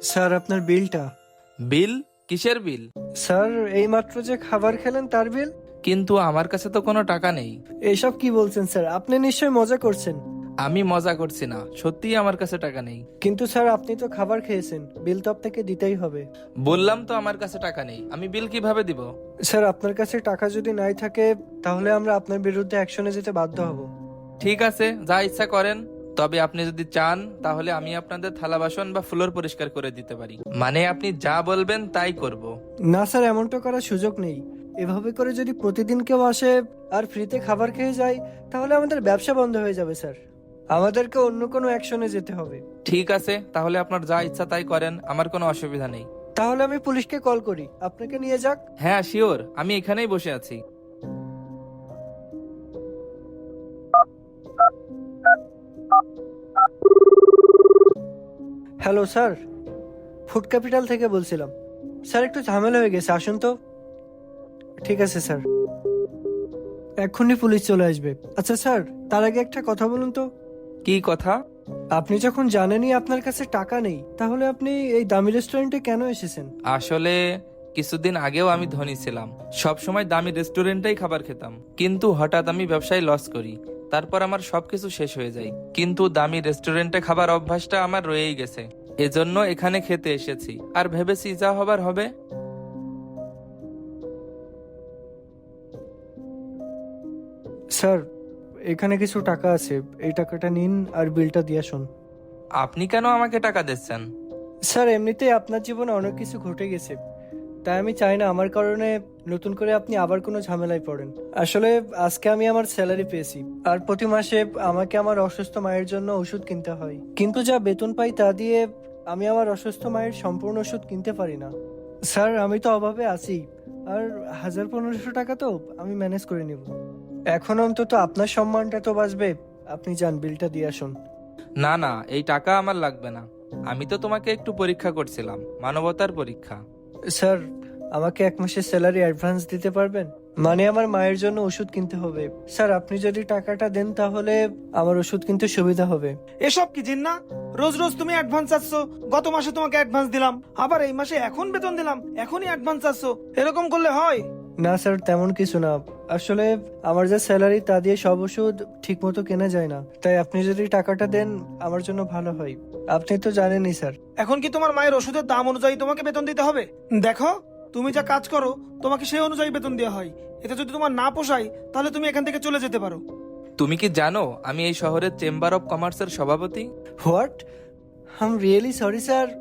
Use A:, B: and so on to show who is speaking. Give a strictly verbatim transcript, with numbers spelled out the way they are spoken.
A: Sir আপনার বিলটা।
B: বিল? কিসের বিল?
A: স্যার এইমাত্র যে খাবার খেলেন তার বিল।
B: কিন্তু আমার কাছে তো কোনো টাকা নেই।
A: এইসব কি বলছেন স্যার? আপনি নিশ্চয়ই মজা করছেন।
B: আমি মজা করছি না, সত্যিই আমার কাছে টাকা নেই।
A: কিন্তু স্যার আপনি তো খাবার খেয়েছেন, বিল তো আপনাকে দিতেই হবে।
B: বললাম তো আমার কাছে টাকা নেই, আমি বিল কিভাবে দিব?
A: স্যার আপনার কাছে টাকা যদি নাই থাকে তাহলে আমরা আপনার বিরুদ্ধে অ্যাকশনে যেতে বাধ্য হব।
B: ঠিক আছে, যা ইচ্ছা করেন। তবে আপনি যদি চান তাহলে আমি আপনাদের থালা বাসন বা ফ্লোর পরিষ্কার করে দিতে পারি। মানে আপনি যা বলবেন তাই করব।
A: না স্যার, এমনটা করার সুযোগ নেই। এভাবে করে যদি প্রতিদিন কেউ আসে আর ফ্রিতে খাবার খেয়ে যায় তাহলে আমাদের ব্যবসা বন্ধ হয়ে যাবে স্যার। আমাদেরকে অন্য কোনো অ্যাকশনে যেতে হবে।
B: ঠিক আছে, তাহলে আপনার যা ইচ্ছা তাই করেন, আমার কোনো অসুবিধা নেই।
A: তাহলে আমি পুলিশকে কল করি, আপনাকে নিয়ে যাক।
B: হ্যাঁ শিওর, আমি এখানেই বসে আছি।
A: হ্যালো স্যার, ফুড ক্যাপিটাল থেকে বলছিলাম। স্যার একটু ঝামেলা হয়ে গেছে, আসুন তো। ঠিক আছে স্যার, এক্ষুনি পুলিশ চলে আসবে। আচ্ছা স্যার, তার আগে একটা কথা বলুন তো।
B: কি কথা?
A: আপনি যখন জানেনই আপনার কাছে টাকা নেই তাহলে আপনি এই দামি রেস্টুরেন্টে কেন এসেছেন?
B: আসলে কিছুদিন আগেও আমি ধনী ছিলাম, সব সময় দামি রেস্টুরেন্টেই খাবার খেতাম। কিন্তু হঠাৎ আমি ব্যবসায় লস করি, তারপর আমার সবকিছু শেষ হয়ে যায়। কিন্তু দামি রেস্টুরেন্টে খাবার অভ্যাসটা আমার রয়েই গেছে, এজন্য এখানে খেতে এসেছি আর ভেবেছি যা হবার হবে।
A: স্যার এখানে কিছু টাকা আছে, এই টাকাটা নিন আর বিলটা দিয়ে আসুন।
B: আপনি কেন আমাকে টাকা দিচ্ছেন?
A: স্যার এমনিতেই আপনার জীবনে অনেক কিছু ঘটে গেছে, তাই আমি চাই না আমার কারণে নতুন করে আপনি আবার কোনো ঝামেলায় পড়েন। আসলে আজকে আমি আমার স্যালারি পেয়েছি আর প্রতি মাসে আমাকে আমার অসুস্থ মায়ের জন্য ওষুধ কিনতে হয়, কিন্তু যা বেতন পাই তা দিয়ে আমি আমার অসুস্থ মায়ের সম্পূর্ণ ওষুধ কিনতে পারি না। স্যার আমি তো অভাবে আছি, আর হাজার পনেরোশো টাকা তো আমি ম্যানেজ করে নিব। এখন অন্তত আপনার সম্মানটা তো বাঁচবে। আপনি যান, বিলটা দিয়ে আসুন।
B: না না, এই টাকা আমার লাগবে না। আমি তো তোমাকে একটু পরীক্ষা করছিলাম, মানবতার পরীক্ষা।
A: স্যার আমাকে এক মাসের স্যালারি অ্যাডভান্স দিতে পারবেন? মানে আমার মায়ের জন্য ওষুধ কিনতে হবে। স্যার আপনি যদি টাকাটা দেন তাহলে আমার ওষুধ কিনতে সুবিধা হবে।
C: এসব কি জিন্না? রোজ রোজ তুমি অ্যাডভান্স চাচ্ছ। গত মাসে তোমাকে অ্যাডভান্স দিলাম, আবার এই মাসে এখন বেতন দিলাম, এখনই অ্যাডভান্স চাচ্ছ। এরকম করলে হয়?
A: না স্যার, তেমন কিছু না। আসলে আমার যে স্যালারি তা দিয়ে সব ওষুধ ঠিক মতো কেনা যায় না, তাই আপনি যদি টাকাটা দেন আমার জন্য ভালো হয়। আপনি তো জানেনই স্যার।
C: এখন কি তোমার মায়ের ওষুধের দাম অনুযায়ী তোমাকে বেতন দিতে হবে? দেখো, তুমি যা কাজ করো তোমাকে সেই অনুযায়ী বেতন দেওয়া হয়। এতে যদি তোমার না পোষায় তাহলে তুমি এখান থেকে চলে যেতে পারো।
B: তুমি কি জানো আমি এই শহরের চেম্বার অফ কমার্সের সভাপতি?
A: What? I am really sorry sir.